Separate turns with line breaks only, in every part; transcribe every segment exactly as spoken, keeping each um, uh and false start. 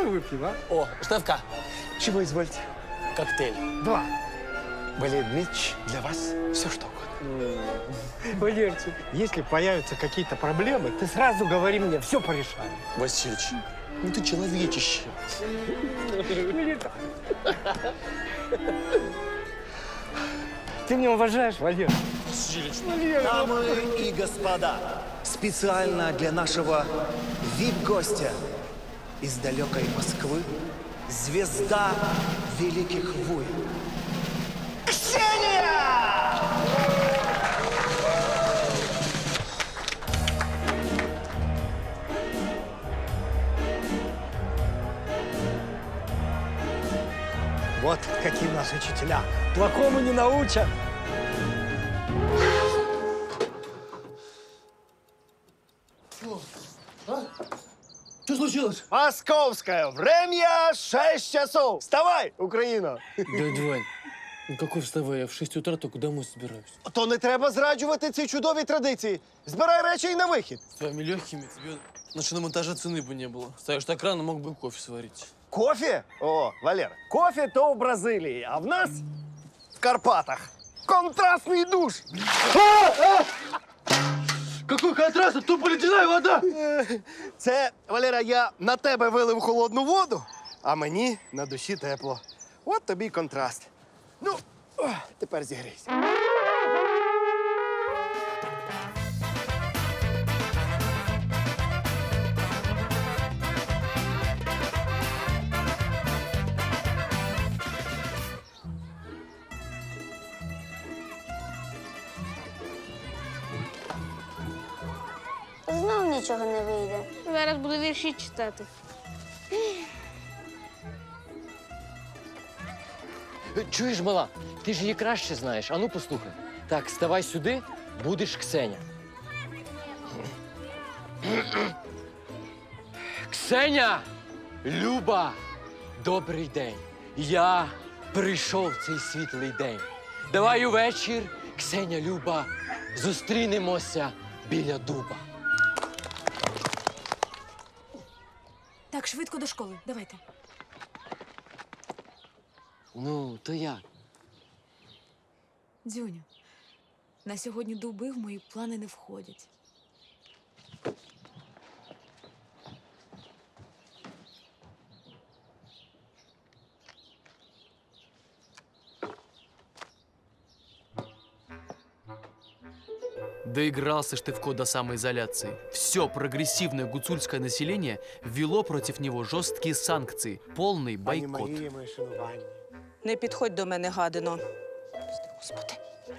выпьем, а?
О, Штефка,
Чего извольте?
коктейль.
Два.
Валерий Дмитриевич, для вас все что угодно.
Валерчик, если появятся какие-то проблемы, ты сразу говори мне, все порешаем.
Васильевич, ну ты человечище.
Ты меня уважаешь, Валер?
Васильевич.
Дамы и господа, специально для нашего ви ай пи-гостя из далекой Москвы, звезда великих войн. Ксения!
Вот какие наши учителя. Плохому не научат.
Что случилось?
Московское время шесть часов. Вставай, Україна!
Дядя Вань, ну какой вставай? Я в шесть утра только домой собираюсь.
То не треба зраджувати ці чудові традиції. Збирай речі і на вихід.
С твоими легкими тебе на шиномонтаже цены бы не было. Ставишь так рано, мог бы кофе сварить.
Кофе? О, Валера, кофе то в Бразилії, а в нас в Карпатах. Контрастний душ.
Какой контраст? А тупо ледяная вода!
Це, Валера, я на тебе вилив холодну воду, а мені на душі тепло. От тобі й контраст. Ну, о, тепер зігрійся.
Знов нічого не вийде.
Зараз буду вірші читати.
Чуєш, мала, ти ж її краще знаєш. Ану, послухай. Так, ставай сюди, будеш Ксеня. Ксеня! Люба! Добрий день. Я прийшов в цей світлий день. Давай увечір, Ксеня, Люба, зустрінемося біля дуба.
Так, швидко до школи. Давайте.
Ну, то як?
Дзюню, на сьогодні дуби в мої плани не входять.
Доигрался Штефко до самоизоляции. Все прогрессивное гуцульское население ввело против него жесткие санкции, полный бойкот.
Не підходь до мене, гадино. Господи.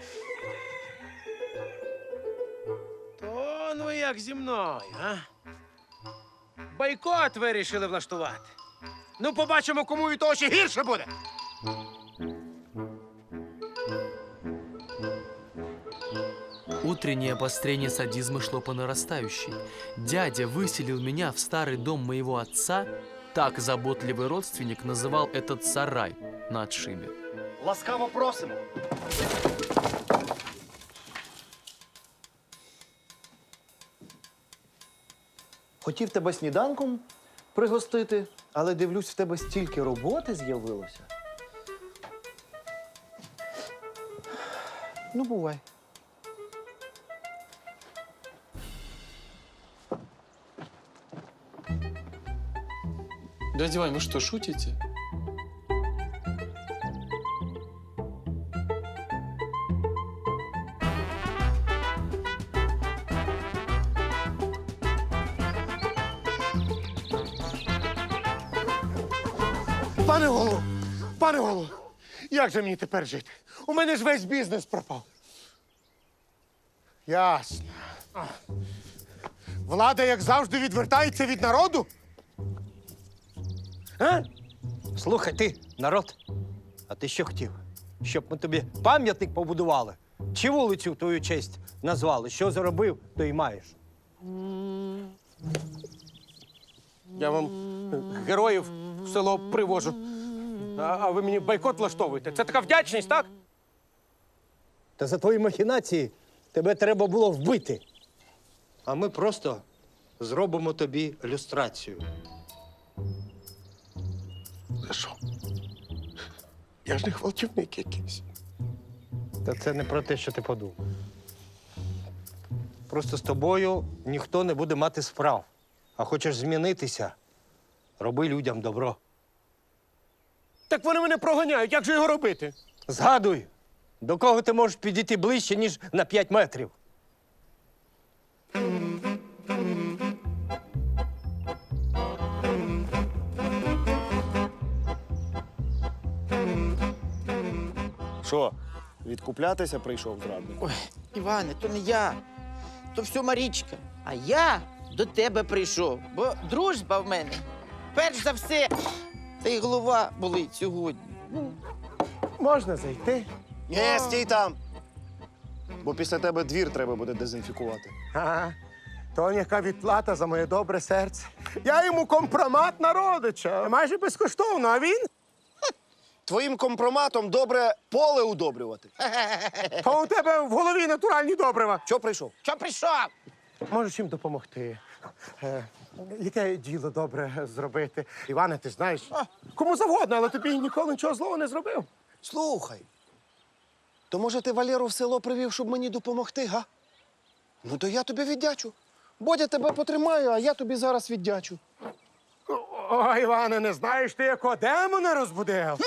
То ну як зі мною, а? Бойкот вирішили влаштувати. Ну, побачимо, кому від того ще гірше буде.
Утреннее обострение садизма шло по нарастающей. Дядя выселил меня в старый дом моего отца. Так заботливый родственник называл этот сарай на отшибе.
Ласкаво просимо. Хотів тебе сніданком пригостити, але дивлюсь, в тебе стільки роботи з'явилося. Ну, бувай.
Дядя Вань, вы что, шутите?
Пане голову, пане голову, як же мені тепер жити? У мене ж весь бізнес пропав. Ясно. А. Влада, як завжди, відвертається від народу? А?
Слухай, ти, народ, а ти що хотів? Щоб ми тобі пам'ятник побудували? Чи вулицю в твою честь назвали? Що заробив, то й маєш.
Я вам героїв в село привожу. А, а ви мені бойкот влаштовуєте. Це така вдячність, так?
Та за твої махінації тебе треба було вбити. А ми просто зробимо тобі люстрацію.
Це що? Я ж не гвалтівник якийсь.
Та це не про те, що ти подумав. Просто з тобою ніхто не буде мати справ. А хочеш змінитися, роби людям добро.
Так вони мене проганяють, як же його робити?
Згадуй, до кого ти можеш підійти ближче, ніж на п'ять метрів.
Що, відкуплятися прийшов зрадник?
Ой, Іване, то не я, то все Марічка. А я до тебе прийшов, бо дружба в мене. Перш за все, та й голова болить сьогодні. Ну,
Можна зайти?
Ні, стій там. Бо після тебе двір треба буде дезінфікувати.
Ага. То яка відплата за моє добре серце. Я йому компромат на родича. Майже безкоштовно, а він?
Твоїм компроматом добре поле удобрювати.
То у тебе в голові натуральні добрива.
Що прийшов?
що прийшов?
Можеш чим допомогти? Е, яке діло добре зробити? Іване, ти знаєш, кому завгодно, але тобі ніколи нічого злого не зробив.
Слухай. То може ти Валеру в село привів, щоб мені допомогти, га? Ну то я тобі віддячу. Бодя тебе потримаю, а я тобі зараз віддячу.
О, Іване, не знаєш ти, якого демона розбудив?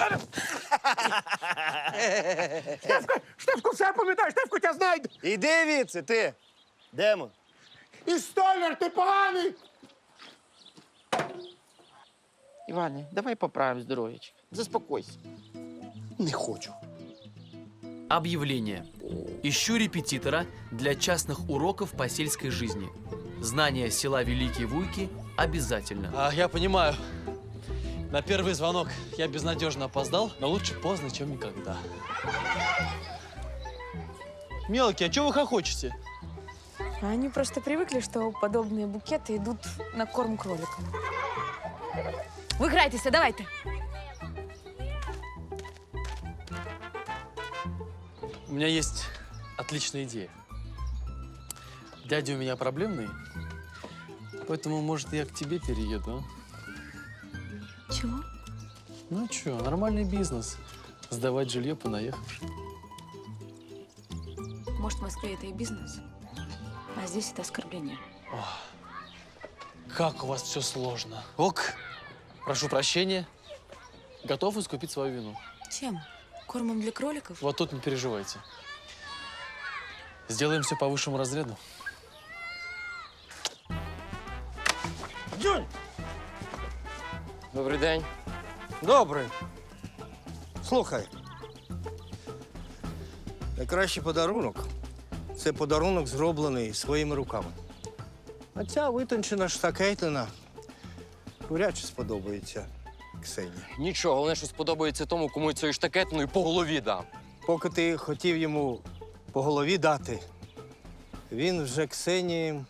Штефко, Штефко, все пам'ятаєш, Штефко, тебе знайде.
Іди відси, ти. Демон.
І столяр, ти поганий.
Іване, давай поправимо здоров'ячка. Заспокойся.
Не хочу.
Объявление. Ищу репетитора для частных уроков по сельской жизни. Знание села Великие Вуйки обязательно.
А, я понимаю. На первый звонок я безнадежно опоздал, но лучше поздно, чем никогда. Мелкий, а чего вы хохочете?
Они просто привыкли, что подобные букеты идут на корм кроликам. Ви грайтеся, давайте.
У меня есть отличная идея. Дядя у меня проблемный, поэтому, может, я к тебе перееду, а?
Чего?
Ну что, нормальный бизнес. Сдавать жилье понаехавшим.
Может, в Москве это и бизнес, а здесь это оскорбление.
Как у вас все сложно. Ок, прошу прощения. Готов искупить свою вину.
Чем? Кормом для кроликов?
Вот тут не переживайте. Сделаем все по высшему разряду.
Дзюнь!
Добрий день.
Добре. Слухай. Найкращий подарунок це подарунок, зроблений своїми руками. А ця витончена штакетина вряд чи сподобається Ксенії.
Нічого, головне, що сподобається тому, кому цією штакетиною по голові дам.
Поки ти хотів йому по голові дати, він вже Ксенії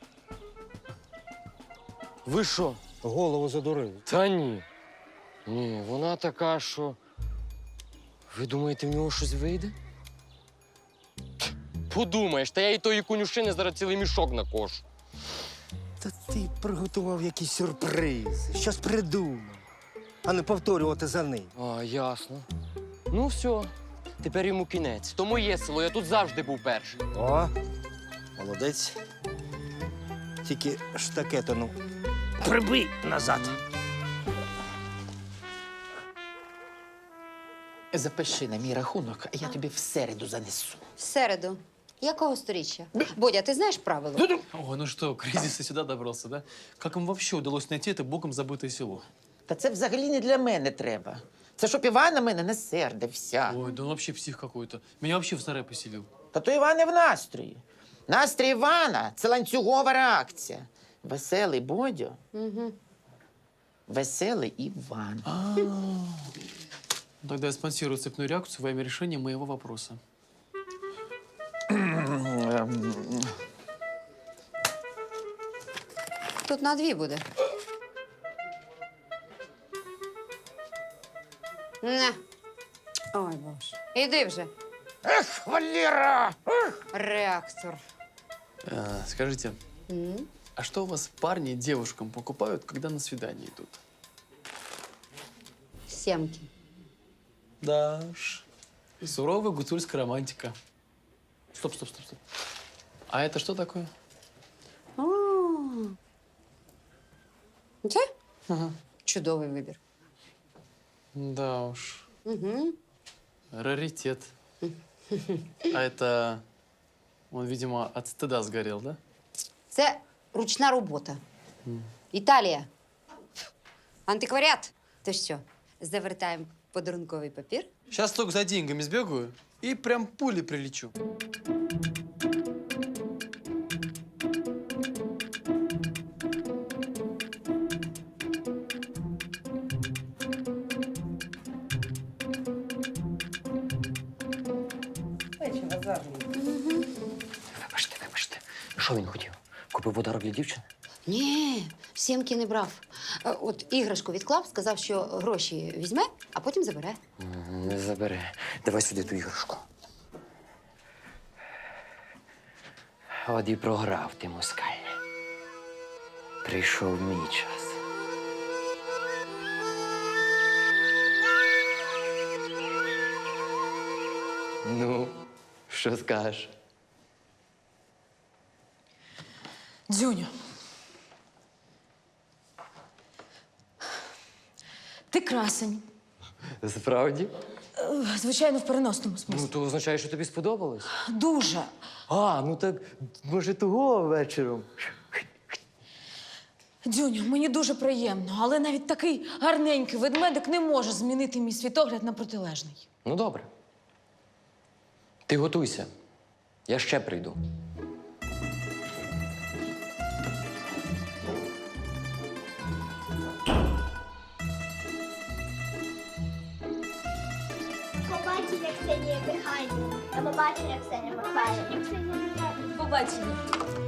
Ви що?
голову задурив.
Та ні. Ні, вона така, що. Ви думаєте, в нього щось вийде? Ть, подумаєш, та я і тої конюшини зараз цілий мішок накошу.
Та ти приготував якийсь сюрприз. Щось придумав, а не повторювати за ним.
А, ясно. Ну, все. Тепер йому кінець. То моє село, я тут завжди був перший.
О, молодець. Тільки штакетину прибий назад.
Запиши на мій рахунок, а я тобі в середу занесу.
В середу. Якого сторіччя? Бодя, ти знаєш правила?
Ой, ну что, кризис и сюда добрался, да? Как им вообще удалось найти это богом забытое село?
Та це взагалі не для мене треба. Це щоб Іван на мене не сердився.
Ой, да он вообще псих какой-то. Меня вообще в сарай поселил.
Та то Іван не в настрої. Настрій Івана – це ланцюгова реакція. Веселий Бодю,
Угу.
веселий Іван.
Тогда я спонсирую цепную реакцию во имя решения моего вопроса.
Тут на дві буде. На. Ой, боже. Іди вже.
Ех, Валера!
Реактор.
А, скажите,
М?
а что у вас парни девушкам покупают, когда на свидание идут?
Сімки.
Да уж. Суровая гуцульская романтика. Стоп, стоп, стоп, стоп. А это что такое?
А. Це?
Ага.
Чудовий вибір.
Да уж.
Угу.
Раритет. А это... Он, видимо, от стыда сгорел, да?
Це ручна робота. Італія. Антикваріат. То що, завертаємо подарунковий папір?
Сейчас только за деньгами сбегаю и прям пулей прилечу.
Вибачте, вибачте. Що він хотів? Купив подарок для дівчини?
Ні, сімки не брав. Е, От іграшку відклав, сказав, що гроші візьме, а потім забере.
М, Не забере. Давай сюди ту іграшку. От і програв ти, москаль. Прийшов мій час. Ну, що скажеш?
Дзюню. Ти красень.
Справді?
Е, Звичайно, в переносному смислі.
Ну, то означає, що тобі сподобалось.
Дуже.
А, ну так, може, того вечором.
Дзюню, мені дуже приємно, але навіть такий гарненький ведмедик не може змінити мій світогляд на протилежний.
Ну, добре. Ти готуйся. Я ще прийду.
Побачення, Ксенія Михайлівна. До побачення, Ксенія Михайлівна.
Побачення.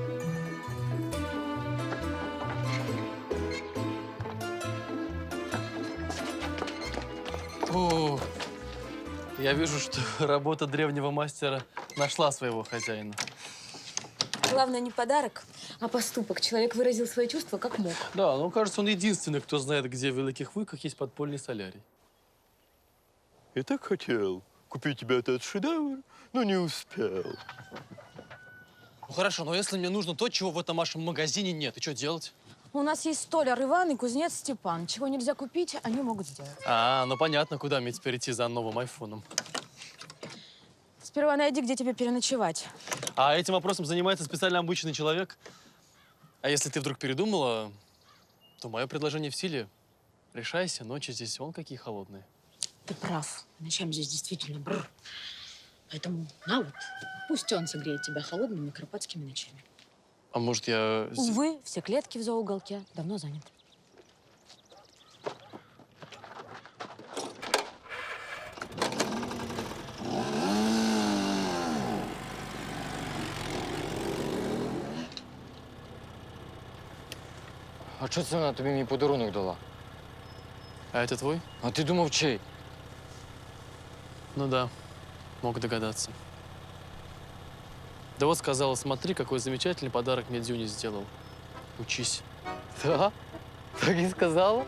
О, я вижу, что работа древнего мастера нашла своего хозяина.
Главное не подарок, а поступок. Человек выразил свои чувства как мог.
Да, ну, кажется, он единственный, кто знает, где в Великих Луках есть подпольный солярий.
Я так хотел купить тебе этот шедевр, но не успел.
Ну, хорошо, но если мне нужно то, чего в этом вашем магазине нет, и что делать?
У нас есть столяр Иван и кузнец Степан. Чего нельзя купить, они могут сделать.
А, ну понятно, куда мне теперь идти за новым айфоном.
Сперва найди, где тебе переночевать.
А этим вопросом занимается специально обученный человек. А если ты вдруг передумала, то мое предложение в силе. Решайся, ночи здесь вон какие холодные.
Ты прав. Ночами здесь действительно бррр. Поэтому на вот, пусть он согреет тебя холодными карпатскими ночами.
А может, я...
Увы, все клетки в зоуголке давно заняты.
А чого це вона тобі мій подарунок дала?
А это твой?
А ти думав, чий?
Ну да, мог догадаться. Да вот сказала, смотри, какой замечательный подарок мне Дзюня сделал. Учись.
Так? Так і сказала?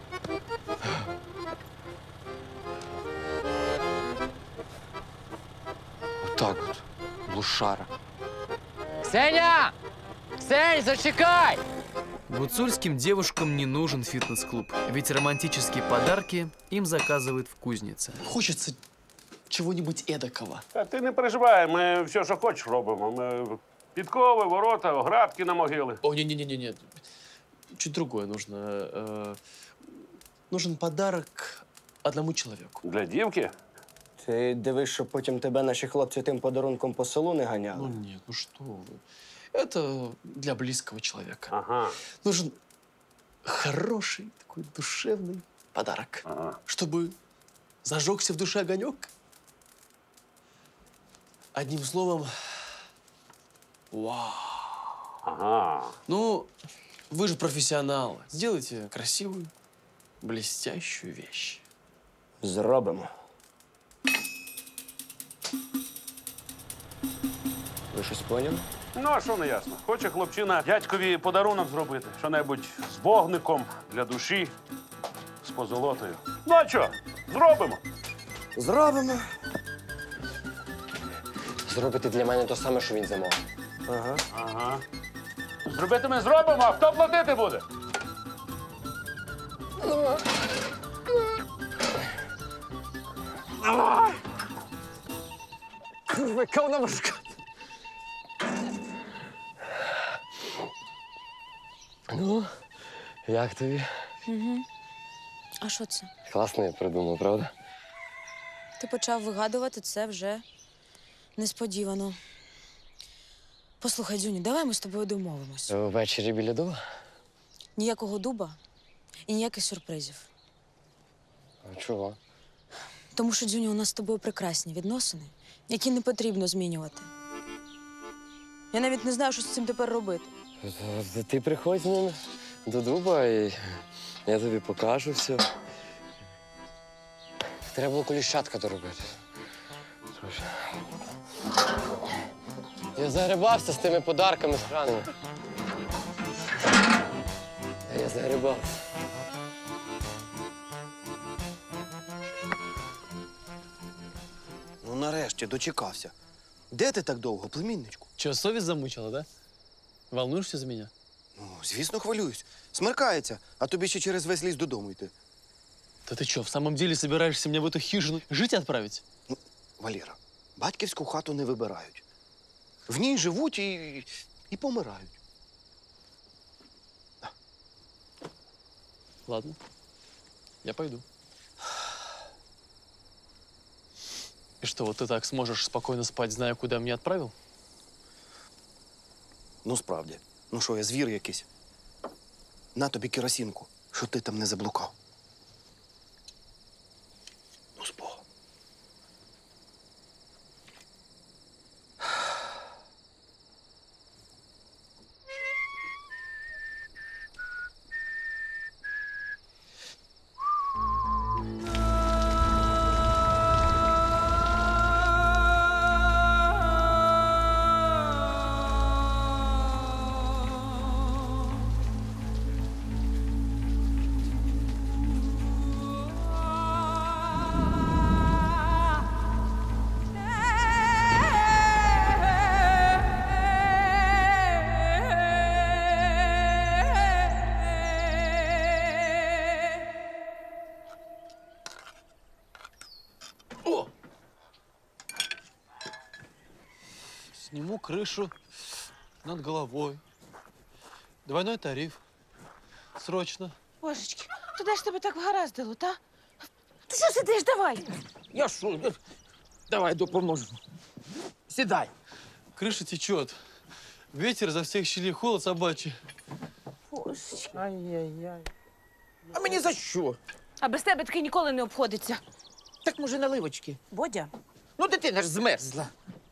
Отак от, лушара. Ксеня! Ксень, зачекай!
Гуцульским девушкам не нужен фитнес-клуб, ведь романтические подарки им заказывают в кузнице.
Хочется чего-нибудь эдакого.
Та ти не переживай, ми все, що хочеш, робимо. Ми підкови, ворота, оградки на могили.
О, не-не-не-не, чуть другое нужно. Э, нужен подарок одному человеку.
Для дівки?
Ти дивись, щоб потім тебе наші хлопці тим подарунком по селу не ганяли.
Ну нет, ну что вы. Это для близкого человека.
Ага.
Нужен хороший, такой душевный подарок.
Ага.
Чтобы зажегся в душе огонек. Одним словом, вау.
Ага.
Ну, вы же профессионалы. Сделайте красивую, блестящую вещь.
Зробимо. Ви щось поняли?
Ну, а що не ясно? Хоче хлопчина дядькові подарунок зробити. Що-небудь з вогником для душі, з позолотою. Ну а що? Зробимо.
Зробимо.
Зробити для мене те саме, що він замовив.
Ага.
Ага. Зробити ми зробимо, а хто платити буде?
Курва, яка вона важка. Ну, як тобі?
Угу. А що це?
Класно я придумав, правда?
Ти почав вигадувати це вже несподівано. Послухай, Дзюню, давай ми з тобою домовимось.
Ввечері біля дуба?
Ніякого дуба і ніяких сюрпризів.
А чого?
Тому що, Дзюню, у нас з тобою прекрасні відносини, які не потрібно змінювати. Я навіть не знаю, що з цим тепер робити.
Ти приходь з ним до дуба, і я тобі покажу все. Треба було коліщатка доробити. Я загребався з тими подарками странними. Я загребався.
Ну, нарешті, дочекався. Де ти так довго, племінничку?
Че, совесть замучила, да? Волнуешься за меня?
Ну, звісно, хвилююсь. Смеркається, а тобі ще через весь ліс додому йти.
Да ты что, в самом деле собираешься меня в эту хижину жить отправить?
Ну, Валера, батьківську хату не вибирають. В ній живуть і, і помирають.
Ладно, я пойду. И что, вот ты так сможешь спокойно спать, зная, куда меня отправил?
Ну, справді. Ну що, я звір якийсь? На тобі керосинку, що ти там не заблукав. Ну, з Богом.
Сниму крышу над головой. Двойной тариф. Срочно.
Божечки, то де ж тебе так вгараздило, та? Ти що сидиш, давай? Я що? Давай допоможу. Сідай.
Крыша течет. Ветер за всех щелей, холод собачий.
Божечки. Ай-яй-яй. А мені за що?
А без тебе таки ніколи не обходиться.
Так, може, наливочки?
Бодя?
Ну, дитина ж змерзла.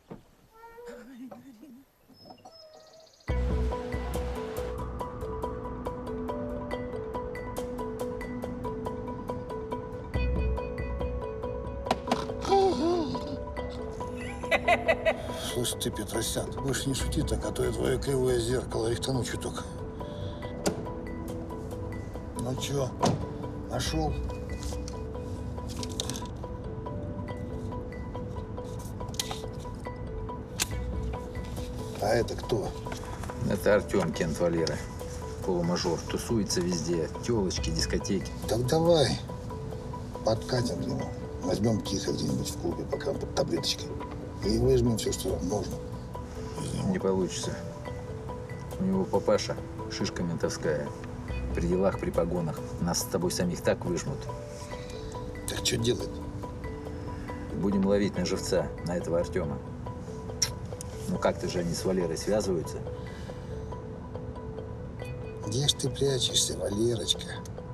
Слушай ты, Петросян, больше не шути так, а то я твое кривое зеркало рихтану чуток. Ну чё, нашел? А это кто?
Это Артем, Кент Валера. Полумажор. Тусуется везде. Телочки, дискотеки.
Так давай, подкатим к нему. Возьмем тихо где-нибудь в клубе, пока он под таблеточкой. И выжмем все, что можно.
Не получится. У него папаша, шишка ментовская. При делах, при погонах. Нас с тобой самих так выжмут.
Так что делать?
Будем ловить на живца, на этого Артема. Ну как-то же они с Валерой связываются.
Где ж ты прячешься, Валерочка?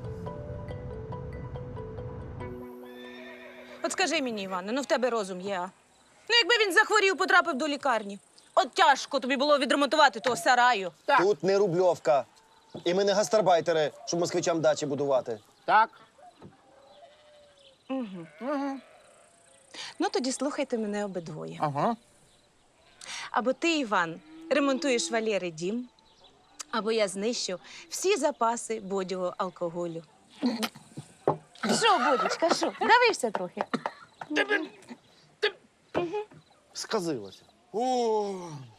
От скажи мені, Іване, ну в тебе розум є, а? Ну, якби він захворів, потрапив до лікарні. От тяжко тобі було відремонтувати того сараю.
Тут не рубльовка. І ми не гастарбайтери, щоб москвичам дачі будувати.
Так.
Угу. Угу. Ну, тоді слухайте мене обидвоє.
Ага.
Або ти, Іван, ремонтуєш Валєри дім, або я знищу всі запаси бодього алкоголю. Що, Бодічка, що? Давився трохи.
Сказилося.
О,